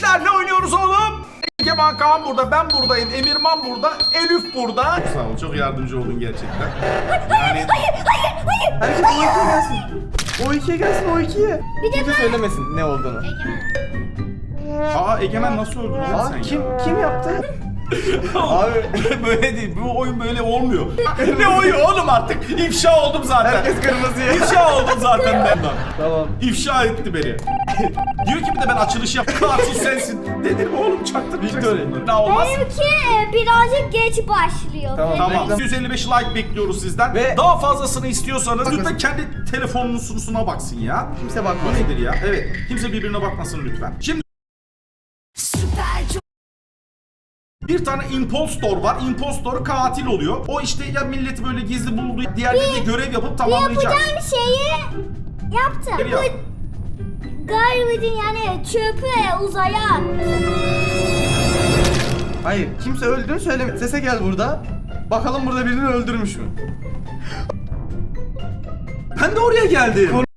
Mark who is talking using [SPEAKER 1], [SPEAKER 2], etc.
[SPEAKER 1] gençler ne oynuyoruz oğlum? Egemen Kaan burada, ben buradayım, Emirman burada, Elif burada.
[SPEAKER 2] Sağ ol, çok yardımcı oldun gerçekten.
[SPEAKER 3] Hayır.
[SPEAKER 4] Herkes O2'ye gelsin. O2'ye gelsin, O2'ye.
[SPEAKER 3] Bir de
[SPEAKER 4] Kimse
[SPEAKER 3] ben.
[SPEAKER 4] söylemesin ne olduğunu.
[SPEAKER 2] Aa, Egemen nasıl öldü lan sen
[SPEAKER 4] Kim yaptı? Abi
[SPEAKER 2] Böyle değil, bu oyun böyle olmuyor. Ne oyun oğlum artık? İfşa oldum zaten.
[SPEAKER 4] herkes kırmızıya.
[SPEAKER 2] İfşa oldum zaten ben.
[SPEAKER 4] Tamam.
[SPEAKER 2] İfşa etti beni. Diyor ki bir de ben açılış yaptım. Katil sensin. Dedim oğlum çaktırmayacaksın
[SPEAKER 4] Victory.
[SPEAKER 2] bunları. Ne olmaz.
[SPEAKER 3] Benimki birazcık geç başlıyor.
[SPEAKER 4] Tamam.
[SPEAKER 2] Tamam.
[SPEAKER 4] Reklam.
[SPEAKER 2] 155 like bekliyoruz sizden.
[SPEAKER 4] Ve-
[SPEAKER 2] Daha fazlasını istiyorsanız
[SPEAKER 4] Bakın.
[SPEAKER 2] lütfen kendi telefonunun sunusuna baksın ya.
[SPEAKER 4] Kimse
[SPEAKER 2] Bu
[SPEAKER 4] bakmasın.
[SPEAKER 2] nedir ya? Evet. Kimse birbirine bakmasın lütfen. Şimdi bir tane impostor var. Impostor katil oluyor. O işte ya milleti böyle gizli bulduğu, diğerleri de görev yapıp tamamlayacak.
[SPEAKER 3] Yapacağım şeyi yaptım.
[SPEAKER 2] Geliyor.
[SPEAKER 3] Bu Garvit'in yani çöpü uzaya attı.
[SPEAKER 4] Hayır, kimse öldüğünü söyleme. Sese gel burada. Bakalım burada birini öldürmüş mü?
[SPEAKER 2] Ben de oraya geldim.